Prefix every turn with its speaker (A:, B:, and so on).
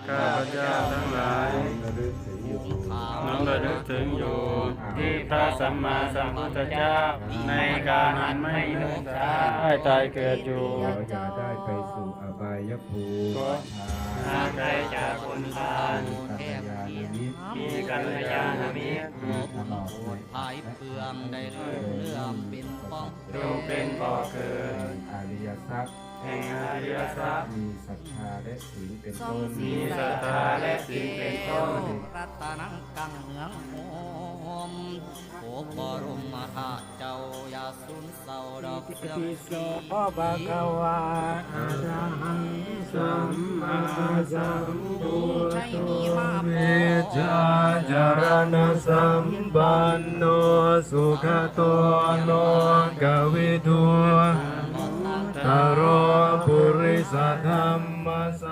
A: ข้าพเจ้าทั้งหลายน้อมระลึกถึงอยู่ที่พระสัมมาสัมพุทธเจ้าในการนั้นไม่นึกได้ตายเกิดอยู่
B: อย่าได้ไปสู่อบายภูมิ
A: หาใครจากคนทานมีกัลยาณมิตร
C: ภายเพื่องได้เรื่องเป็นป้อง
A: ดูเป็นบ่อเกิด
B: อริยทรัพย์
A: แห่งอริยทรัพย์
B: มีศรัทธาและศีลเป็นต้น
A: มีศรัทธาและศีลเป็นต้น
C: รัตนังกังเหืองโหมโอบรมธาตุเจ้าอย่าสูญเศร้าดอกเสื่อมสี
A: พ่อบาคาวาอะระหังสัมมาสัมพุทโธเวชาจารณสัมปันโนสุขโตโลกวิทูตโรปุริสธรรมส